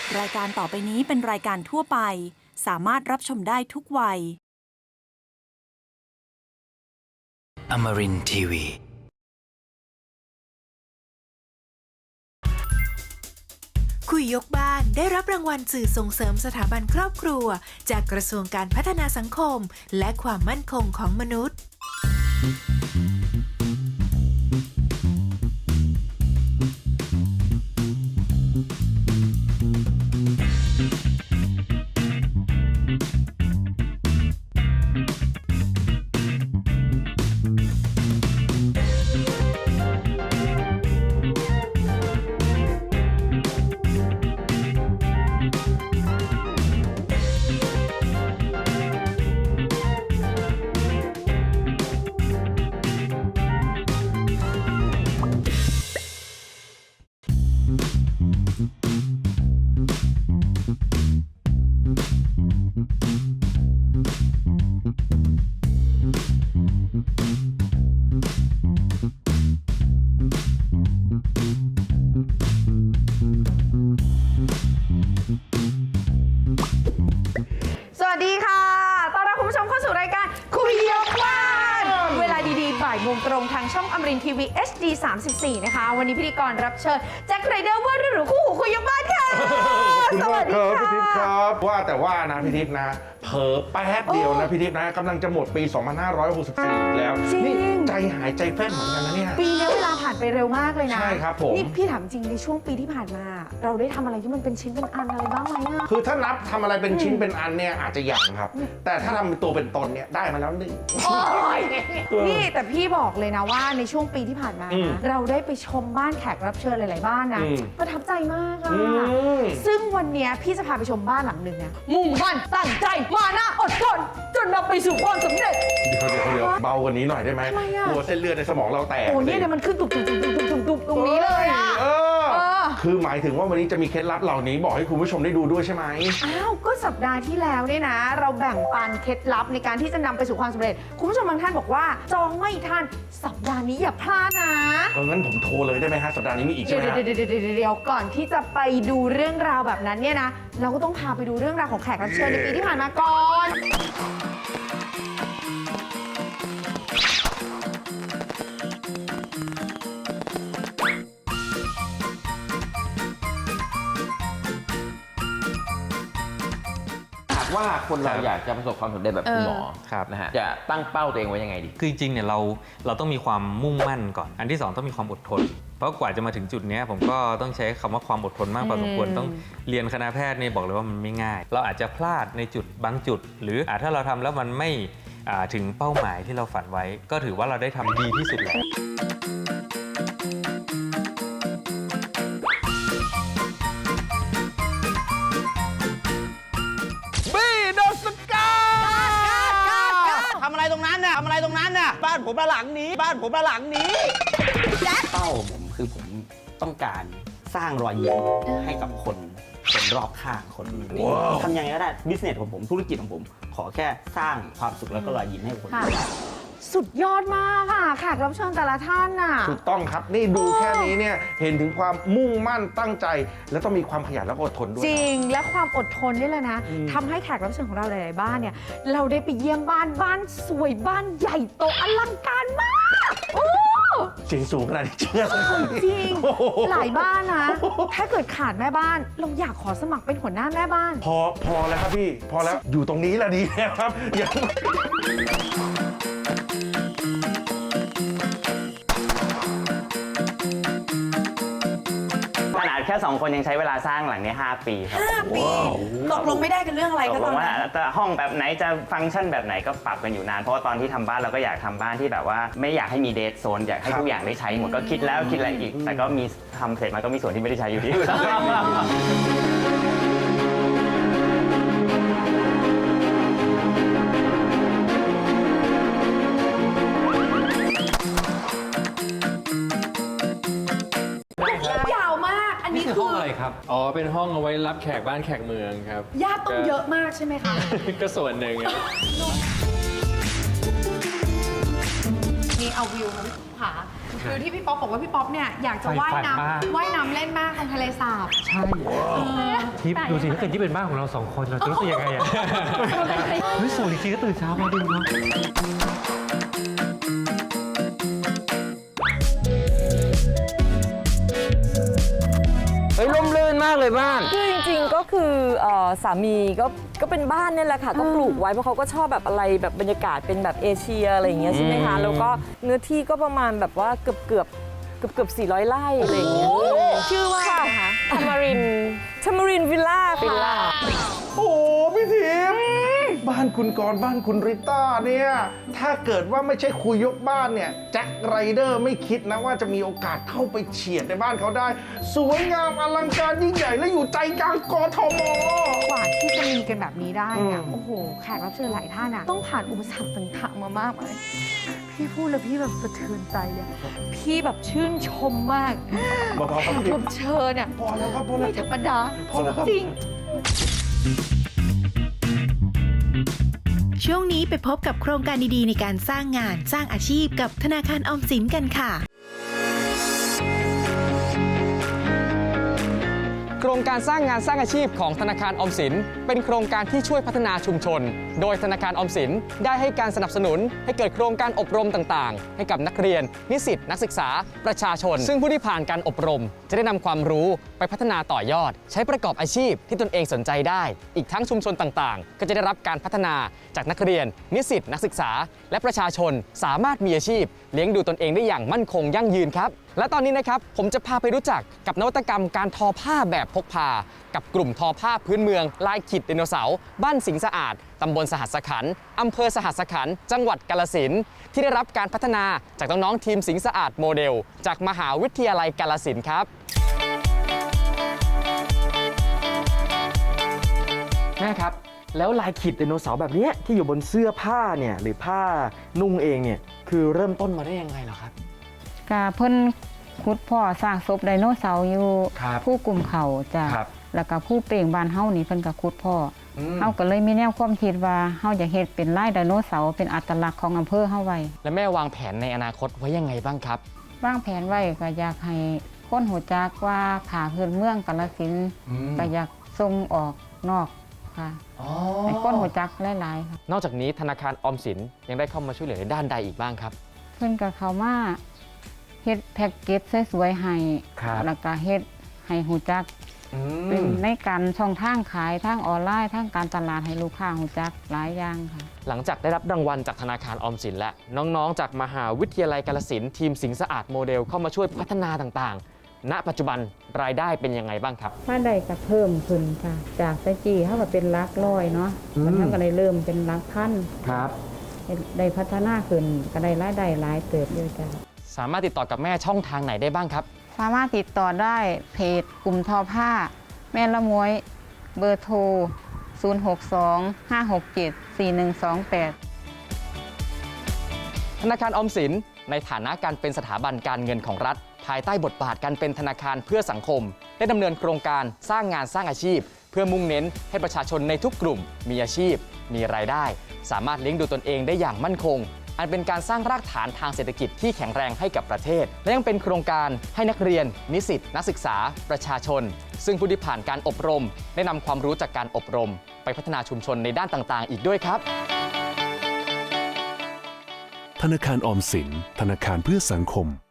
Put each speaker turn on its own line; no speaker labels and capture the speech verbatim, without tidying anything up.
รายการต่อไปนี้เป็นรายการทั่วไปสามารถรับชมได้ทุกวัย
Amarin ที วี
คุยยกบ้านได้รับรางวัลสื่อส่งเสริมสถาบันครอบครัวจากกระทรวงการพัฒนาสังคมและความมั่นคงของมนุษย์
สวัสดีค่ะ ต้อนรับคุณผู้ชมเข้าสู่รายการคุยยกบ้านเวลาดีๆบ่ายโมงตรงทางช่องอมรินทร์ทีวี เอช ดี สามสิบสี่ นะคะวันนี้พิธีกรรับเชิญแจ็คไรเดอร์ว่าหรือคู่หูคุยยกบ้านค่ะสวัสดีค่ะ
พี่ทิพย์ครับว่าแต่ว่านะพี่ทิพย์นะเผลอแป๊บเดียวนะพี่ทิพย์นะกำลังจะหมดปี สองพันห้าร้อยหกสิบสี่ แล้วนี่ใจหายใจแฟ้นเหมือนกันนะเนี่ย
ปีนี้เวลาผ่านไปเร็วมากเลยนะ
ใช่ครับผม
นี่พี่ถามจริงในช่วงปีที่ผ่านมาเราได้ทำอะไรที่มันเป็นชิ้นเป็นอันอะไรบ้างไหมอะ
คือถ้านับทำอะไรเป็นชิ้นเป็นอันเนี่ยอาจจะยังครับแต่ถ้าทำเป็นตัวเป็นตนเนี่ยได้มาแล้วหนึ่ง
นี่แต่พี่บอกเลยนะว่าในช่วงปีที่ผ่านมานะเราได้ไปชมบ้านแขกรับเชิญหลายๆบ้านนะประทับใจมากอะซึ่งวันนี้พี่จะพาไปชมบ้านหลังหนึ่งนะมุ่งมั่นตั้งใจมานะอดทนจนนำไปสู่ความสำเร็จ
เดี๋ยวเดี๋ยวเดี๋ยวเบากว่านี้หน่อยได้ไหมกลัวเส้นเลือดในสมองเราแตก
โอ้เนี่ยมันขึ้นตุบตุบตุบตุบตุบตุบตรงนี้เลยอะ
เออคือหมายถึงว่าวันนี้จะมีเคล็ดลับเหล่านี้บอกให้คุณผู้ชมได้ดูด้วยใช่ไหม
อ้าวก็สัปดาห์ที่แล้วเนี่ยนะเราแบ่งปันเคล็ดลับในการที่จะนำไปสู่ความสำเร็จคุณผู้ชมบางท่านบอกว่าจองไม่ทันสัปดาห์นี้อย่าพลาดนะ
เอองั้นผมโทรเลยได้ไหมฮะสัปดาห์นี้มีอีกใช่ไหม
เดี๋ยวเดี๋ยวเดี๋ยวเดี๋ยวก่อนที่จะไปดูเรื่องราวแบบนั้นเนี่ยนะเราก็ต้องพาไปดูเรื่องราวของแขกรับเชิญในปีที่ผ่านมาก่อน
ว่าคนเราอยากจะประสบความสำเร็จแบบคุณหมอนะฮะจะตั้งเป้าตัวเองไว้ยังไงดี
คือจริงๆเนี่ยเราเราต้องมีความมุ่งมั่นก่อนอันที่สองต้องมีความอดทนเพราะกว่าจะมาถึงจุดนี้ผมก็ต้องใช้คำว่าความอดทนมากพอสมควรต้องเรียนคณะแพทย์เนี่ยบอกเลยว่ามันไม่ง่ายเราอาจจะพลาดในจุดบางจุดหรือถ้าเราทำแล้วมันไม่ถึงเป้าหมายที่เราฝันไว้ก็ถือว่าเราได้ทำดีที่สุดแล้ว
ทำอะไรตรงนั้นน่ะทำอะไรตรงนั้นน่ะบ้านผมระหลังนี้บ้านผมระหลังนี้เป้าผมคือผมต้องการสร้างรอยยิ้มให้กับคนคนรอบข้างคนทำยังไงก็ได้บิสเนสของผมธุรกิจของผมขอแค่สร้างความสุขแล้วก็รอยยิ้มให้คน
สุดยอดมากค่ะแขกรับเชิญแต่ละท่านน่ะ
ถูกต้องครับนี่ดูแค่นี้เนี่ยเห็นถึงความมุ่งมั่นตั้งใจแล้วต้องมีความขยันและอดทนด้วย
จริงและความอดทนนี่แหละนะทำให้แขกรับเชิญของเราหลายๆบ้านเนี่ยเราได้ไปเยี่ยมบ้านบ้านสวยบ้านใหญ่โตอลังการมากโอ้
เสียงสูงขนาดนี้เชื่อ
จริงหลายบ้านนะถ้าเกิดขาดแม่บ้านเราอยากขอสมัครเป็นหัวหน้าแม่บ้าน
พอพอแล้วครับพี่พอแล้วอยู่ตรงนี้แล้วดีแล้วครับอย่า
ขนาดแค่สองคนยังใช้เวลาสร้างหลังนี้ห้าปีครับ
ห้าปีตกลงไม่ได้กันเรื่องอะไรก็ตอน
นั้นแต่ห้องแบบไหนจะฟังก์ชันแบบไหนก็ปรับกันอยู่นานเพราะว่าตอนที่ทำบ้านเราก็อยากทำบ้านที่แบบว่าไม่อยากให้มีเดทโซนอยากให้ทุกอย่างได้ใช้หมดก็คิดแล้วคิดอะไรอีกแต่ก็มีทำเสร็จมาก็มีส่วนที่ไม่ได้ใช้อยู่ดี
ยาวมากอันนี้คือ
ห้องอะไรครับอ๋อเป็นห้องเอาไว้รับแขกบ้านแขกเมืองครับ
ญาติต้องเยอะมากใช่ไหมคะ
ก็ส่วนหนึ่ง
นี่เอาวิวค่ะพี่ผาคือที่พี่ป๊อปบอกว่าพี่ป๊อปเนี่ยอยากจะว่ายน้ำว่ายน้ำเล่นมากตรงทะเลสาบ
ใช่ทิปดูสิถ้าเกิดที่เป็นบ้านของเราสองคนเราจะรู้สึกยังไงอ่ะเฮ้ยสวยจริงๆก็ตื่นเช้ามาดูเนาะ
เฮ้ยร่มรื่นมากเลยบ้าน
คือจริงๆก็คือเอ่อสามีก็ก็เป็นบ้านเนี่ยแหละค่ะก็ปลูกไว้เพราะเขาก็ชอบแบบอะไรแบบบรรยากาศเป็นแบบเอเชียอะไรอย่างเงี้ยใช่ไหมคะแล้วก็เนื้อที่ก็ประมาณแบบว่าเกือบเกือบเกือบเกือบสี่ร้อยไร่อะไรอย่างเงี้ยชื่อว่าทามารินทามารินวิลล่าค่ะ
โอ้โหพี่ทิพย์บ้านคุณกรณ์บ้านคุณริต้าเนี่ย ถ้าเกิดว่าไม่ใช่คุยยกบ้านเนี่ยแจ็คไรเดอร์ไม่คิดนะว่าจะมีโอกาสเข้าไปเฉียดในบ้านเขาได้ สวยงามอลังการยิ่งใหญ่และอยู่ใจกลางกทม
กว่าที่จะมีกันแบบนี้ได้เนี่ยโอ้โหแขกรับเชิญหลายท่านอะต้องผ่านอุปสรรคต่างๆมามากมายพี่พูดแล้วพี่แบบสะเทือนใจเลยพี่แบบชื่นชมมาก
เบาๆครับ
แข
พี่
กรับเชิญเนี่ย
พอแล้วครับพอแล้ว
ไม่ธรรมดา
พอแล้วครับ
จริง
ช่วงนี้ไปพบกับโครงการดีๆในการสร้างงานสร้างอาชีพกับธนาคารออมสินกันค่ะ
โครงการสร้างงานสร้างอาชีพของธนาคารออมสินเป็นโครงการที่ช่วยพัฒนาชุมชน โดยธนาคารออมสินได้ให้การสนับสนุนให้เกิดโครงการอบรมต่างๆ ให้กับนักเรียน นิสิตนักศึกษา ประชาชน ซึ่งผู้ที่ผ่านการอบรม จะได้นำความรู้ไปพัฒนาต่อยอด ใช้ประกอบอาชีพที่ตนเองสนใจได้ อีกทั้งชุมชนต่างๆ ก็จะได้รับการพัฒนาจากนักเรียน นิสิตนักศึกษา และประชาชนสามารถมีอาชีพ เลี้ยงดูตนเองได้อย่างมั่นคงยั่งยืนครับและตอนนี้นะครับผมจะพาไปรู้จักกับนวัตกรรมการทอผ้าแบบพกพากับกลุ่มทอผ้าพื้นเมืองลายขีดไดโนเสาร์บ้านสิงห์สะอาดตำบลสหัสขันธ์อำเภอสหัสขันธ์จังหวัดกาฬสินธุ์ที่ได้รับการพัฒนาจากน้องๆทีมสิงห์สะอาดโมเดลจากมหาวิทยาลัยกาฬสินธุ์ครับแม่ครับแล้วลายขีดไดโนเสาร์แบบนี้ที่อยู่บนเสื้อผ้าเนี่ยหรือผ้านุ่งเองเนี่ยคือเริ่มต้นมาได้ยังไงเหรอครับ
กะเพิ่นขุดพ่อสร้างศพไดโนเสาร์อยู่ผู้กลุ่มเขาจ้ะแล้วก็ผู้เปล่งบ้านเฮานี่เพิ่นก็ขุดพ่ออเฮาก็เลยมีแนวความคิดว่าเฮาอยากเฮ็ดเป็นลายไดโนเสาร์เป็นอัตลักษณ์ของอำเภอเฮาไว้
และแม่วางแผนในอนาคตไว้ยังไงบ้างครับ
วางแผนไว้ก็อยากให้คนรู้จักว่าผ้าพื้นเมืองกาฬสินธุ์ก็อยากส่งออกนอกค่ะให้คนรู้จักหลายๆค่ะ
นอกจากนี้ธนาคารออมสินยังได้เข้ามาช่วยเหลือในด้านใดอีกบ้างครับ
เพิ่นก็เข้ามาเฮ็ดแพ็กเกจสวยๆให้แล้วก็เฮ็ดให้หูจักเป็นในการช่องทางขายทางออนไลน์ทางการตลาดให้ลูกค้าหูจักหลายอย่างค่ะ
หลังจากได้รับรางวัลจากธนาคารออมสินและน้องๆจากมหาวิทยาลัยกาฬสินธุ์ทีมสิงห์สะอาดโมเดลเข้ามาช่วยพัฒนาต่างๆณปัจจุบันรายได้เป็นยังไงบ้างครับ
รายได้ก็เพิ่มขึ้นค่ะจากแต่จีเท่ากับเป็นหลักร้อยเนาะมันเท่ากับได้เริ่มเป็นหลักพัน
ครับ
ได้พัฒนาขึ้นก็ได้รายได้หลายเติบอยู่จ้ะ
สามารถติดต่อกับแม่ช่องทางไหนได้บ้างครับ
สามารถติดต่อได้เพจกลุ่มทอผ้าแม่ละม้วยเบอร์โทรศูนย์ หก สอง ห้า หก เจ็ด สี่ หนึ่ง สอง แปด
ธนาคารออมสินในฐานะการเป็นสถาบันการเงินของรัฐภายใต้บทบาทการเป็นธนาคารเพื่อสังคมได้ดำเนินโครงการสร้างงานสร้างอาชีพเพื่อมุ่งเน้นให้ประชาชนในทุกกลุ่มมีอาชีพมีรายได้สามารถเลี้ยงดูตนเองได้อย่างมั่นคงอันเป็นการสร้างรากฐานทางเศรษฐกิจที่แข็งแรงให้กับประเทศและยังเป็นโครงการให้นักเรียนนิสิตนักศึกษาประชาชนซึ่งผู้ที่ผ่านการอบรมได้นำความรู้จากการอบรมไปพัฒนาชุมชนในด้านต่างๆอีกด้วยครับ
ธนาคารออมสินธนาคารเพื่อสังคม